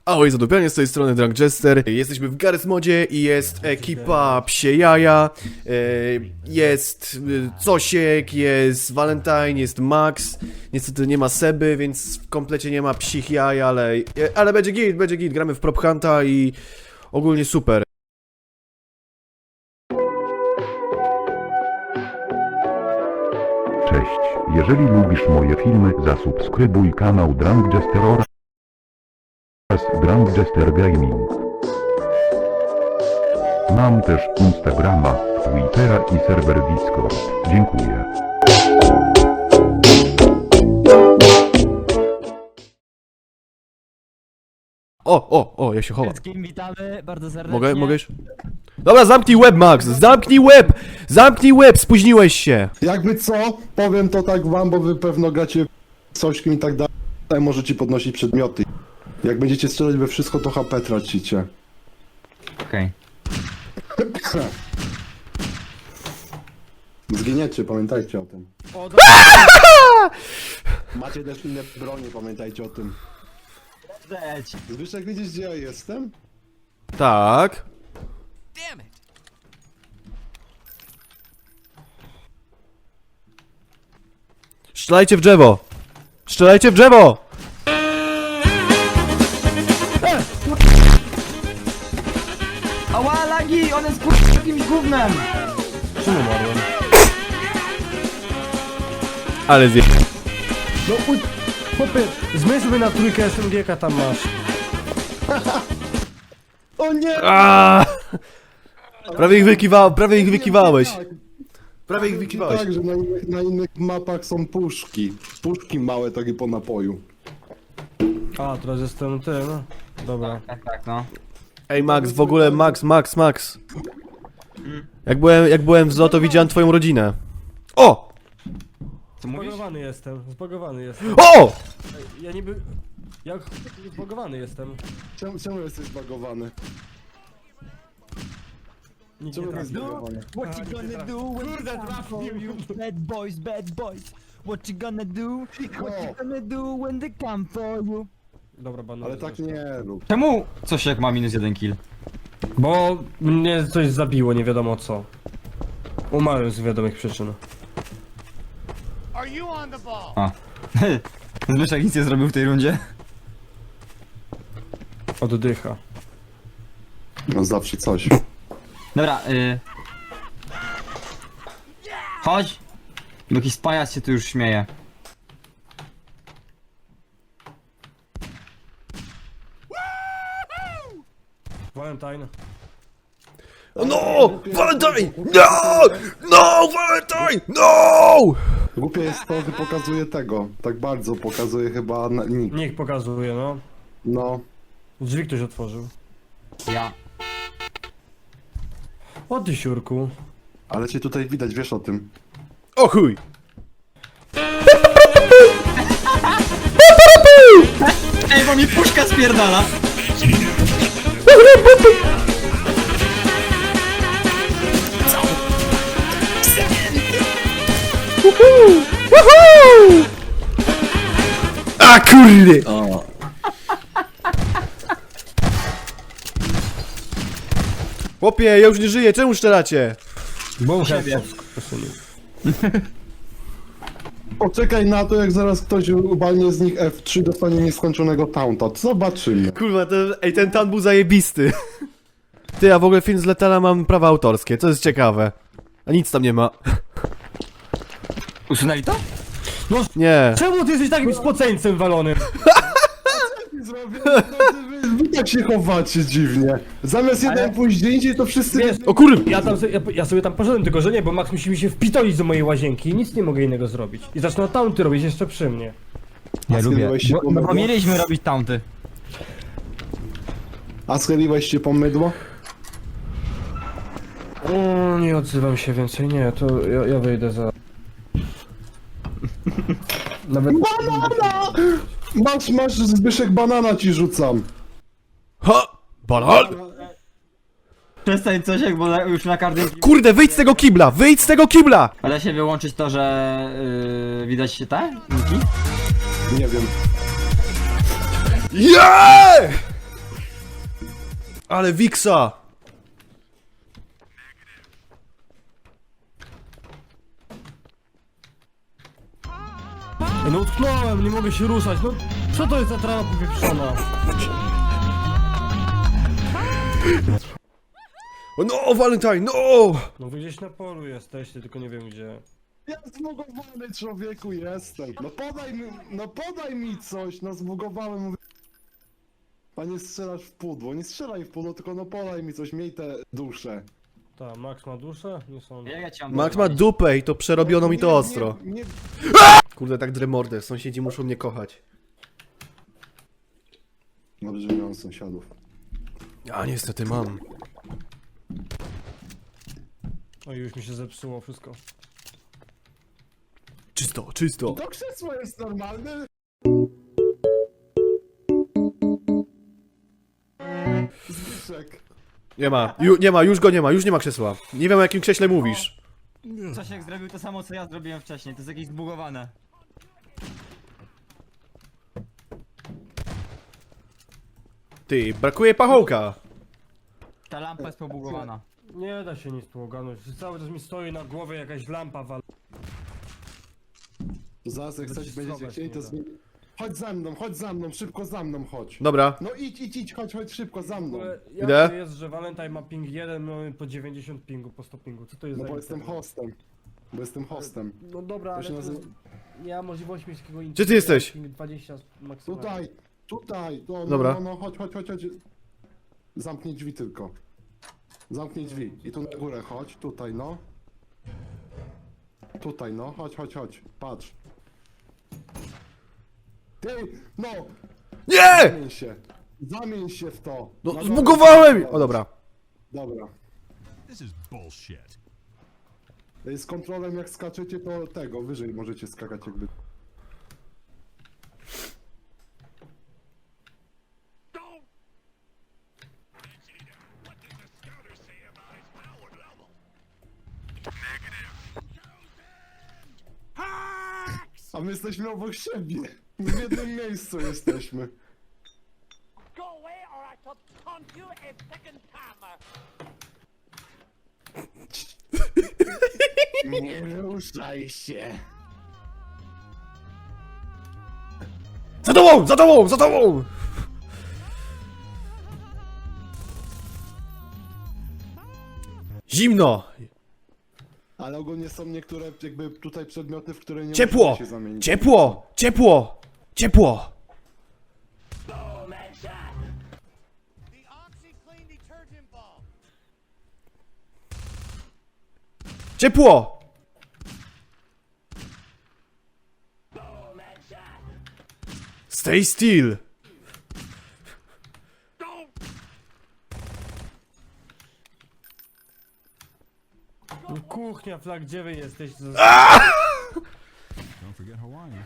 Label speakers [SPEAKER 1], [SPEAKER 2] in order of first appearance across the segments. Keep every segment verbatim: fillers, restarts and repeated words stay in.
[SPEAKER 1] Ahoj, zadupianie z tej strony Drunk Jester. Jesteśmy w Garry's Modzie i jest ekipa Psie Jaja. Jest Cosiek, jest Valentine, jest Max. Niestety nie ma Seby, więc w komplecie nie ma psich jaj, ale, ale będzie git, będzie git. Gramy w Prop Hunta i ogólnie super.
[SPEAKER 2] Cześć, jeżeli lubisz moje filmy, zasubskrybuj kanał Drunk Jester oraz Drunk Jester Gaming. Mam też Instagrama, Twittera i serwer Discord. Dziękuję.
[SPEAKER 1] O, o, o, ja się chowam.
[SPEAKER 3] Wszystkim witamy bardzo serdecznie.
[SPEAKER 1] Mogę, mogę już? Dobra, zamknij łeb, Max! Zamknij łeb! Zamknij łeb! Spóźniłeś się!
[SPEAKER 4] Jakby co, powiem to tak wam, bo wy pewno gracie cośkim i tak dalej, możecie podnosić przedmioty. Jak będziecie strzelać we wszystko, to H P tracicie.
[SPEAKER 3] Okej.
[SPEAKER 4] Zginiecie, pamiętajcie o tym. Macie też inne bronie, pamiętajcie o tym.
[SPEAKER 3] Cześć.
[SPEAKER 4] Zbyszek, widzisz, gdzie ja jestem?
[SPEAKER 1] Tak. Strzelajcie w drzewo! Strzelajcie w drzewo!
[SPEAKER 3] Ała, lagi! On jest kurwa jakimś gównem!
[SPEAKER 5] Czemu umarłem?
[SPEAKER 1] Ale zje...
[SPEAKER 5] No uj... Chłopie, zmyj sobie na trójkę S M G-ka tam masz.
[SPEAKER 4] O nie!
[SPEAKER 1] Aaaa! Prawie ich wykiwa... prawie ich wykiwałeś. Prawie ich wykiwałeś.
[SPEAKER 4] Tak, że na innych, na innych mapach są puszki. Puszki małe, takie po napoju.
[SPEAKER 5] A, teraz jestem ty, no. Dobra.
[SPEAKER 3] Tak, tak, no.
[SPEAKER 1] Ej, Max, w ogóle Max, Max, Max. Jak byłem, jak byłem w zoo, to widziałem twoją rodzinę. O!
[SPEAKER 3] Co mówisz?
[SPEAKER 5] Zbagowany jestem, zbagowany jestem.
[SPEAKER 1] O!
[SPEAKER 5] Ja niby... Jak zbagowany jestem.
[SPEAKER 4] Czemu, czemu jesteś zbagowany?
[SPEAKER 5] Nikt
[SPEAKER 4] Czemu
[SPEAKER 5] nie
[SPEAKER 4] jesteś
[SPEAKER 5] trafi.
[SPEAKER 4] zbagowany?
[SPEAKER 3] What you gonna do when the time for you? Bad boys, bad boys. What you gonna do? What you gonna do when the come for you?
[SPEAKER 5] Dobra, banu.
[SPEAKER 4] Ale tak nie rób.
[SPEAKER 6] Czemu Cosiek ma minus jeden kill?
[SPEAKER 5] Bo mnie coś zabiło, nie wiadomo co. Umarłem z wiadomych przyczyn.
[SPEAKER 6] A. Zbyszek nic nie zrobił w tej rundzie.
[SPEAKER 5] Oddycha.
[SPEAKER 4] No zawsze coś.
[SPEAKER 6] Dobra, y... Chodź! Bo jakiś pajac się tu już śmieje.
[SPEAKER 5] Valentine.
[SPEAKER 1] No! Valentine! No! No! Valentine! No!
[SPEAKER 4] Głupie jest to, że pokazuje tego. Tak bardzo pokazuje chyba na, nick.
[SPEAKER 5] Niech pokazuje, no.
[SPEAKER 4] No.
[SPEAKER 5] Drzwi ktoś otworzył.
[SPEAKER 6] Ja.
[SPEAKER 5] O ty siurku.
[SPEAKER 4] Ale cię tutaj widać, wiesz o tym.
[SPEAKER 1] O chuj!
[SPEAKER 6] Ej, bo mi puszka spierdala!
[SPEAKER 1] A kurde! Chłopie, ja już nie żyję, czemu szczelacie?
[SPEAKER 5] Bo
[SPEAKER 6] Siebie.
[SPEAKER 4] Poczekaj na to, jak zaraz ktoś ubalnie z nich F trzy, dostanie nieskończonego taunta. Zobaczymy.
[SPEAKER 1] Kurwa, ten, ej, ten tan był zajebisty. Ty, a w ogóle film z Letala mam prawa autorskie, to jest ciekawe. A nic tam nie ma.
[SPEAKER 6] Usunęli to?
[SPEAKER 1] Nie.
[SPEAKER 5] Czemu ty jesteś takim spoceńcem walonym?
[SPEAKER 4] Zrobię, wy, wy tak się chowacie dziwnie. Zamiast jeden pójść gdzie indziej, to wszyscy...
[SPEAKER 5] Wiesz,
[SPEAKER 1] O kurwa!
[SPEAKER 5] Ja, tam, sobie- ja, ja sobie tam poszedłem, tylko że nie, bo Max musi mi się wpitolić do mojej łazienki i nic nie mogę innego zrobić. I zaczną taunty robić jeszcze przy mnie.
[SPEAKER 6] Ja
[SPEAKER 4] schyliłeś się
[SPEAKER 6] Bo,
[SPEAKER 4] po
[SPEAKER 6] no bo
[SPEAKER 4] mydło?
[SPEAKER 6] mieliśmy robić taunty.
[SPEAKER 4] A schyliłeś się po mydło?
[SPEAKER 5] O, nie odzywam się więcej, nie, to ja, ja wyjdę za... Nawet...
[SPEAKER 4] Banana! Masz, masz, Zbyszek, banana ci rzucam.
[SPEAKER 1] Ha! Banan!
[SPEAKER 6] Przestań Cosiek, bo na, już na każdym...
[SPEAKER 1] Kurde, wyjdź z tego kibla! Wyjdź z tego kibla!
[SPEAKER 6] A da się wyłączyć to, że... Yy, widać się te? Niki?
[SPEAKER 4] Nie wiem.
[SPEAKER 1] Yeah! Ale Wiksa!
[SPEAKER 5] Ej, no utknąłem, nie mogę się ruszać, no co to jest za trawa powieprzona?
[SPEAKER 1] O, no, Valentine, no!
[SPEAKER 5] No wy gdzieś na polu jesteście, tylko nie wiem gdzie.
[SPEAKER 4] Ja zbugowany człowieku jestem. No podaj mi, no podaj mi coś, no zbugowałem. Mówię. Panie strzelasz w pudło, nie strzelaj w pudło, tylko no podaj mi coś, miej te dusze.
[SPEAKER 5] Ta, Max ma duszę? Nie sądzę.
[SPEAKER 6] Jak ja cię mam
[SPEAKER 1] Max ma
[SPEAKER 6] wyzwolić?
[SPEAKER 1] dupę i to przerobiono mi to
[SPEAKER 4] Nie,
[SPEAKER 1] ostro.
[SPEAKER 4] Nie, nie,
[SPEAKER 1] Kurde, tak drę mordę, sąsiedzi muszą mnie kochać.
[SPEAKER 4] Dobrze, że miałem sąsiadów.
[SPEAKER 1] A niestety mam.
[SPEAKER 5] Oj, już mi się zepsuło wszystko.
[SPEAKER 1] Czysto, czysto.
[SPEAKER 4] To krzesło jest normalne. Zbyszek.
[SPEAKER 1] Nie ma, ju, nie ma, już go nie ma, już nie ma krzesła. Nie wiem o jakim krześle mówisz.
[SPEAKER 6] Czesiek zrobił to samo, co ja zrobiłem wcześniej, to jest jakieś zbugowane.
[SPEAKER 1] Ty, brakuje pachołka.
[SPEAKER 6] Ta lampa jest pobugowana.
[SPEAKER 5] Nie da się nic tu ogarnąć, cały czas mi stoi na głowie jakaś lampa wal...
[SPEAKER 4] Zaraz jak coś
[SPEAKER 5] Wycisnąć
[SPEAKER 4] będziecie chcieli, to
[SPEAKER 5] nie da.
[SPEAKER 4] zmieni... Chodź za mną, chodź za mną, szybko za mną chodź.
[SPEAKER 1] Dobra,
[SPEAKER 4] No idź, idź, idź, chodź, chodź szybko za
[SPEAKER 5] W
[SPEAKER 4] mną.
[SPEAKER 5] ogóle
[SPEAKER 1] Idę.
[SPEAKER 5] jak to jest, że Valentine ma ping jeden, mamy po dziewięćdziesiąt pingu, po sto pingu, co to jest
[SPEAKER 4] No
[SPEAKER 5] za
[SPEAKER 4] bo jestem
[SPEAKER 5] internet?
[SPEAKER 4] hostem. Bo jestem hostem.
[SPEAKER 5] No dobra,
[SPEAKER 4] To
[SPEAKER 5] ale
[SPEAKER 4] się
[SPEAKER 5] to
[SPEAKER 4] nazywa-
[SPEAKER 5] nie ma możliwości mieć takiego
[SPEAKER 1] Gdzie ty jesteś?
[SPEAKER 5] Ping dwadzieścia maksymalnie.
[SPEAKER 4] Tutaj, tutaj, no, no,
[SPEAKER 1] Dobra.
[SPEAKER 4] no, no, chodź, chodź, chodź, chodź. Zamknij drzwi tylko. Zamknij drzwi. I tu na górę chodź, tutaj no. Tutaj no, chodź, chodź, chodź, patrz. Ty, no,
[SPEAKER 1] nie!
[SPEAKER 4] zamień się. Zamień się w to.
[SPEAKER 1] No,
[SPEAKER 4] Na
[SPEAKER 1] zbugowałem!
[SPEAKER 4] dole.
[SPEAKER 1] O dobra.
[SPEAKER 4] Dobra.
[SPEAKER 7] This is bullshit.
[SPEAKER 4] Z kontrolem jak skaczecie, to tego, wyżej możecie skakać jakby. A my jesteśmy obok siebie. W jednym miejscu jesteśmy.
[SPEAKER 8] Go away or I shall taunt you a second time.
[SPEAKER 4] Nie ruszaj się.
[SPEAKER 1] Za tobą, za tobą, za tobą! Zimno!
[SPEAKER 4] Ale ogólnie są niektóre jakby tutaj przedmioty, w które nie
[SPEAKER 1] Ciepło!
[SPEAKER 4] możecie się zamienić.
[SPEAKER 1] Ciepło! Ciepło! Ciepło!
[SPEAKER 8] The OxyClean detergent ball.
[SPEAKER 1] Ciepło! Stay still!
[SPEAKER 5] No, kuchnia, flag, gdzie wy jesteście?
[SPEAKER 7] Don't forget Hawaii.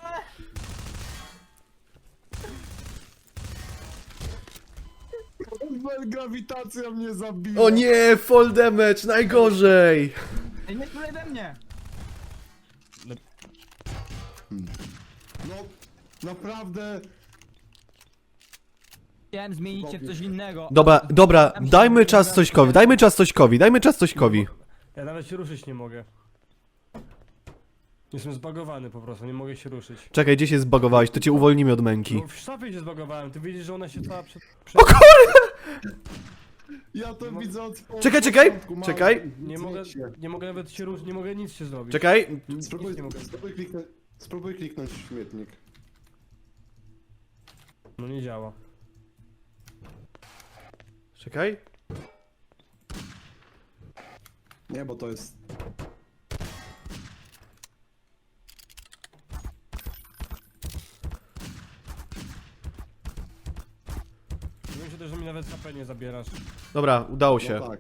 [SPEAKER 4] Grawitacja mnie zabija.
[SPEAKER 1] O nie, fall damage, najgorzej!
[SPEAKER 6] Ej, nie strzelaj we mnie!
[SPEAKER 4] No, naprawdę.
[SPEAKER 6] Chciałem zmienić się w coś innego.
[SPEAKER 1] Dobra, dobra, dajmy czas Cośkowi, dajmy czas Cośkowi, dajmy czas Cośkowi.
[SPEAKER 5] Ja nawet się ruszyć nie mogę. Jestem zbagowany po prostu, nie mogę się ruszyć.
[SPEAKER 1] Czekaj, gdzie się zbagowałeś, to cię uwolnimy od męki.
[SPEAKER 5] No w szafie się zbagowałem, ty widzisz, że ona się cała przed... przed...
[SPEAKER 1] O kurde!
[SPEAKER 4] Ja to widzę od od
[SPEAKER 1] Czekaj, czekaj,
[SPEAKER 4] początku, mam-
[SPEAKER 1] czekaj.
[SPEAKER 5] Nie mogę,
[SPEAKER 4] Zmień się.
[SPEAKER 5] nie mogę nawet się ruszyć, nie mogę nic się zrobić.
[SPEAKER 1] Czekaj,
[SPEAKER 4] Spróbuj,
[SPEAKER 5] nie mogę.
[SPEAKER 4] spróbuj, kliknąć, spróbuj kliknąć w śmietnik.
[SPEAKER 5] No nie działa.
[SPEAKER 1] czekaj.
[SPEAKER 4] Nie, bo to jest...
[SPEAKER 5] Wiem się też, że mi nawet H P nie zabierasz.
[SPEAKER 1] Dobra, udało się.
[SPEAKER 4] No tak.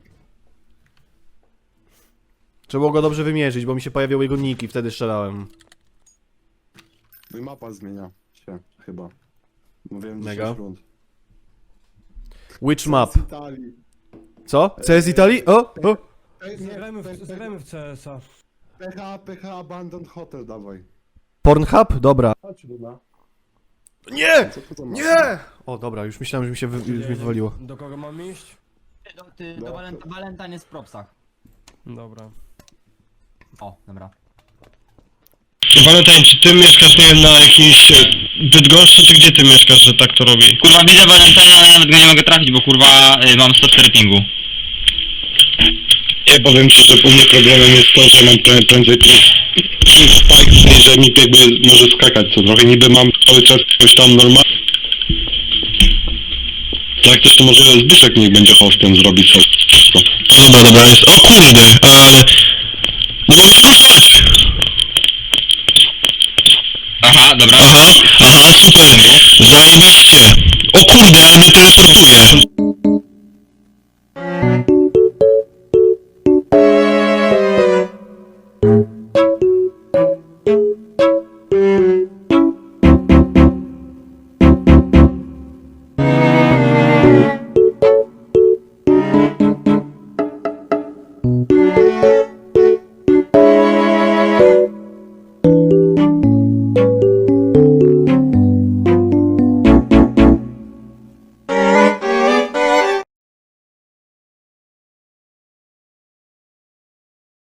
[SPEAKER 1] Trzeba było go dobrze wymierzyć, bo mi się pojawiał jego nick i wtedy strzelałem.
[SPEAKER 4] No i mapa zmienia się, chyba. Mówiłem
[SPEAKER 1] Mega.
[SPEAKER 4] dziesięć rund.
[SPEAKER 1] Witch map.
[SPEAKER 4] Z Italii.
[SPEAKER 1] Co? C S Italii? O! O!
[SPEAKER 4] Ej, nie,
[SPEAKER 5] Zagrajmy
[SPEAKER 4] P-
[SPEAKER 5] w, zagrajmy w C S a.
[SPEAKER 4] P H, P H Abandoned Hotel, dawaj.
[SPEAKER 1] Pornhub? Dobra.
[SPEAKER 4] Chodź, Luna.
[SPEAKER 1] Nie!
[SPEAKER 4] Co to za mapa?
[SPEAKER 1] Nie! O, dobra, już myślałem, że mi się wy, już mi wywaliło.
[SPEAKER 5] Do kogo mam iść?
[SPEAKER 6] Do, ty, do Valent Valentine jest w propsach.
[SPEAKER 5] Dobra.
[SPEAKER 6] O, dobra.
[SPEAKER 9] Valentine, czy ty mieszkasz, nie wiem, na jakiejś e, Bydgoszczy, czy gdzie ty mieszkasz, że tak to robi?
[SPEAKER 6] Kurwa, widzę Valentine, ale nawet go nie mogę trafić, bo kurwa y, mam sto cztery pingu.
[SPEAKER 9] Nie, powiem ci, że u mnie problemem jest to, że mam prę- prędzej ping spike, że mi jakby może skakać co trochę, niby mam cały czas coś tam normalnie. Jak też to może Zbyszek niech będzie hostem, zrobić sobie wszystko. Dobra, dobra, jest, o kurde, e, no mogę skorzystać.
[SPEAKER 6] Aha, dobra.
[SPEAKER 9] Aha, aha, super, zajebiście. O kurde, ale mnie teleportuje.